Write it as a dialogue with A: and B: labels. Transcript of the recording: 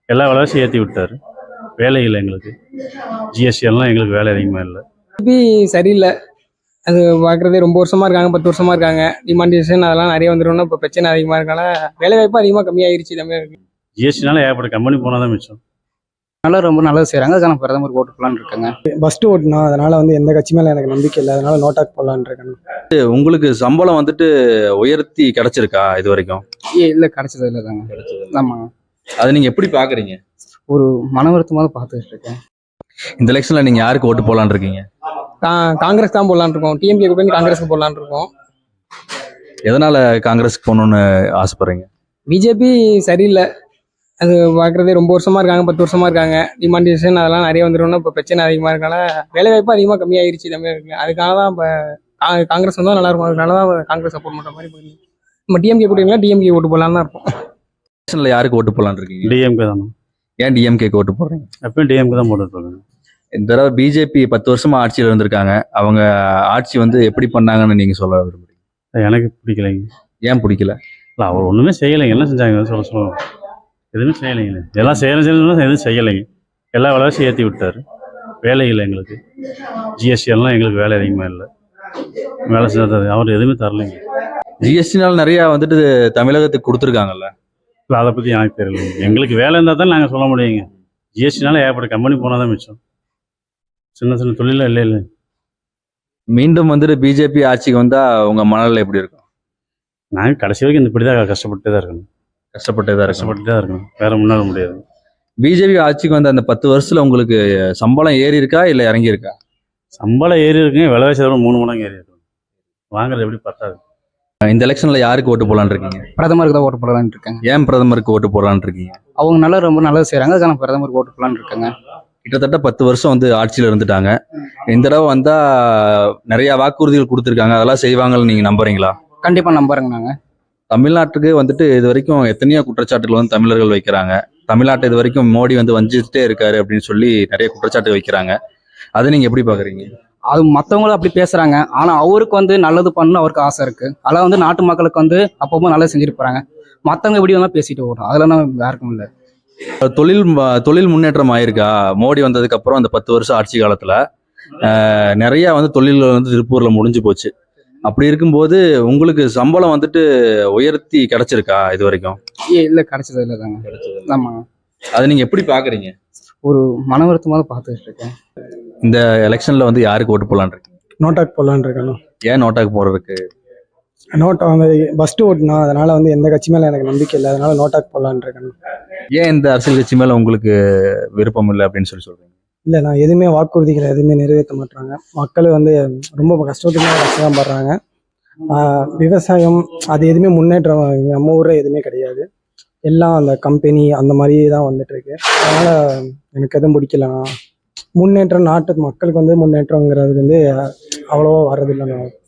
A: எல்லா விலைவாசியும் ஏற்றி விட்டார். வேலை இல்லை எங்களுக்கு. ஜிஎஸ்டி எல்லாம் எங்களுக்கு வேலை அதிகமாக இல்லை.
B: திருப்பி சரியில்லை. அது பார்க்குறதே ரொம்ப வருஷமா இருக்காங்க, 10 வருஷமா இருக்காங்க. டிமாண்டேஷன் அதெல்லாம் நிறைய வந்துடும்னா இப்போ பிரச்சனை அதிகமாக இருக்கனால வேலை வாய்ப்பு அதிகமாக கம்மியாயிருச்சு தமிழருக்கு.
A: ஜிஎஸ்டினால ஏகப்பட்ட கம்பெனி போனால் தான் மிச்சம்.
B: நல்லா ரொம்ப நல்லது செய்கிறாங்க. அதுக்கான பிரதமர் ஓட்டு போடலான்னு இருக்காங்க.
C: ஃபஸ்ட்டு ஓட்டுனா அதனால எந்த கட்சி மேலே எனக்கு நம்பிக்கை இல்லை. அதனால நோட்டாக் போடலான்னு இருக்கேன்.
D: உங்களுக்கு சம்பளம் உயர்த்தி கிடைச்சிருக்கா இது வரைக்கும்?
B: இல்லை கிடைச்சது இல்லை தாங்க. ஆமாங்க.
D: அதை நீங்க எப்படி பாக்குறீங்க?
B: ஒரு மன வருத்தமாக பார்த்துட்டு இருக்கேன்.
D: இந்த எலெக்ஷன்ல நீங்க யாருக்கு ஓட்டு போடலான்னு இருக்கீங்க?
B: காங்கிரஸ் தான் போடலான்னு இருக்கோம். டிஎம்கே கூட காங்கிரஸ்க்கு போடலான்னு இருக்கோம்.
D: எதனால காங்கிரஸ்க்கு போகணும்னு ஆசைப்படுறீங்க?
B: பிஜேபி சரியில்லை. அது பார்க்குறதே ரொம்ப வருஷமா இருக்காங்க, 10 வருஷமா இருக்காங்க. டிமாண்டேஷன் அதெல்லாம் நிறைய வந்துடும்னா இப்போ பிரச்சனை அதிகமாக இருக்கனால வேலை வாய்ப்பு அதிகமாக கம்மியாயிருச்சு தமிழருக்கு. அதுக்காக தான் இப்போ காங்கிரஸ் வந்தால் நல்லா இருக்கும். அதனால தான் காங்கிரஸ் சப்போர்ட் பண்ணுற மாதிரி போயிருக்கு. நம்ம டிஎம்கே போட்டீங்களா? டிஎம்கே ஓட்டு போடலான்னு தான் இருப்போம்.
D: எலெக்ஷன்ல யாருக்கு ஓட்டு போடலான்னு இருக்கீங்க?
A: டிஎம்கே தானே.
D: ஏன் டிஎம்கேக்கு ஓட்டு போடுறீங்க?
A: எப்பயும் டிஎம்கே தான் போட்டுருக்காங்க.
D: இந்த தடவை பிஜேபி 10 வருஷமா ஆட்சியில் இருந்திருக்காங்க. அவங்க ஆட்சி எப்படி பண்ணாங்கன்னு நீங்க சொல்ல விரும்புறீங்க?
A: எனக்கு பிடிக்கலைங்க.
D: ஏன் பிடிக்கல?
A: இல்லை, அவர் ஒன்றுமே செய்யலைங்க. என்ன செஞ்சாங்க சொல்லுவோம். எதுவுமே செய்யலைங்க. எல்லாம் செய்யணும் எதுவும் செய்யலைங்க. எல்லா விலைவாசியும் ஏற்றி விட்டார். வேலை இல்லை எங்களுக்கு. ஜிஎஸ்டி எல்லாம் எங்களுக்கு வேலை அதிகமாக இல்லை. வேலை செஞ்சது அவர் எதுவுமே தரலைங்க.
D: ஜிஎஸ்டினால நிறைய தமிழகத்துக்கு கொடுத்துருக்காங்கல்ல.
A: இல்லை, அதை பற்றி எனக்கு தெரியலைங்க. எங்களுக்கு வேலை இருந்தால் தான் நாங்கள் சொல்ல முடியுங்க. ஜிஎஸ்டினால ஏகப்பட்ட கம்பெனி போனால் தான் மிச்சம். சின்ன சின்ன தொழிலாம் இல்லை.
D: மீண்டும் பிஜேபி ஆட்சிக்கு வந்தா உங்க மனநிலை எப்படி இருக்கும்?
A: நாங்கள் கடைசி வரைக்கும் இப்படி தான் கஷ்டப்பட்டு தான் இருக்கணும். கஷ்டப்பட்டு தான் இருக்கணும். வேற முன்னால முடியாது.
D: பிஜேபி ஆட்சிக்கு வந்த அந்த 10 வருஷத்துல உங்களுக்கு சம்பளம் ஏறி இருக்கா இல்லை இறங்கி இருக்கா?
A: சம்பளம் ஏறி இருக்குங்க. விலைவாசி 3 மடங்கு ஏறி இருக்கும். வாங்குறது எப்படி பத்தாது.
D: இந்த எலெக்ஷன்ல யாருக்கு ஓட்டு போடலான்னு இருக்கீங்க?
B: பிரதமருக்கு தான் ஓட்டு போடலான்னு இருக்காங்க.
D: ஏன் பிரதமருக்கு ஓட்டு போடலான்னு இருக்கீங்க?
B: அவங்க ரொம்ப நல்லது செய்கிறாங்க. அதுக்கான பிரதமருக்கு ஓட்டு போடலான்னு இருக்காங்க.
D: கிட்டத்தட்ட 10 வருஷம் ஆட்சியில் இருந்துட்டாங்க. இந்த தடவை வந்தா நிறைய வாக்குறுதிகள் கொடுத்துருக்காங்க. அதெல்லாம் செய்வாங்கன்னு நீங்க நம்புறீங்களா?
B: கண்டிப்பா நம்புறேங்க. நாங்க
D: தமிழ்நாட்டுக்கு இது வரைக்கும் எத்தனையோ குற்றச்சாட்டுகள் தமிழர்கள் வைக்கிறாங்க. தமிழ்நாட்டை இது வரைக்கும் மோடி வஞ்சிச்சுட்டே இருக்காரு அப்படின்னு சொல்லி நிறைய குற்றச்சாட்டு வைக்கிறாங்க. அதை நீங்க எப்படி பாக்குறீங்க?
B: அது மற்றவங்களும் அப்படி பேசுறாங்க. ஆனா அவருக்கு நல்லது பண்ணணும் அவருக்கு ஆசை இருக்கு. அதெல்லாம் நாட்டு மக்களுக்கு அப்பப்போ நல்லது செஞ்சுட்டு போறாங்க. மற்றவங்க எப்படி வேணா பேசிட்டு வரும். அதெல்லாம் யாருக்கும் இல்லை.
D: தொழில் முன்னேற்றம் ஆயிருக்கா மோடி வந்ததுக்கு அப்புறம்? அந்த 10 வருஷம் ஆட்சி காலத்துல நிறைய தொழில்கள் திருப்பூர்ல முடிஞ்சு போச்சு. அப்படி இருக்கும்போது உங்களுக்கு சம்பளம் உயர்த்தி கிடைச்சிருக்கா இது வரைக்கும்?
B: இல்லை கிடைச்சது இல்லை தாங்க. ஆமா.
D: அதை நீங்க எப்படி பாக்குறீங்க?
B: ஒரு மன வருத்தமாக பார்த்துட்டு இருக்கேன்.
D: இந்த எலெக்ஷன்ல யாருக்கு ஓட்டு போடலான்னு இருக்கீங்க?
C: நோட்டாக் போடலான்னு இருக்கேன்.
D: ஏன் நோட்டாக் போடுறதுக்கு?
C: நோட்டா ஃபஸ்ட்டு ஓட்டுனா அதனால எந்த கட்சி மேலே எனக்கு நம்பிக்கை இல்லை. அதனால நோட்டாக் போடலான்னு இருக்கேன்.
D: ஏன் இந்த அரசியல் கட்சி மேல உங்களுக்கு விருப்பம் இல்லை அப்படின்னு சொல்றீங்க?
C: இல்லை, நான் எதுவுமே வாக்குறுதிகளை எதுவுமே நிறைவேற்ற மாட்டாங்க. மக்கள் ரொம்ப கஷ்டம் படுறாங்க. விவசாயம் அது எதுவுமே முன்னேற்றம் நம்ம ஊரில் எதுவுமே கிடையாது. எல்லாம் அந்த கம்பெனி அந்த மாதிரி தான் வந்துட்டு இருக்கு. அதனால எனக்கு எதுவும் பிடிக்கலண்ணா. முன்னேற்றம் நாட்டு மக்களுக்கு முன்னேற்றங்கிறது அவ்வளோவா வர்றதில்லைண்ணா.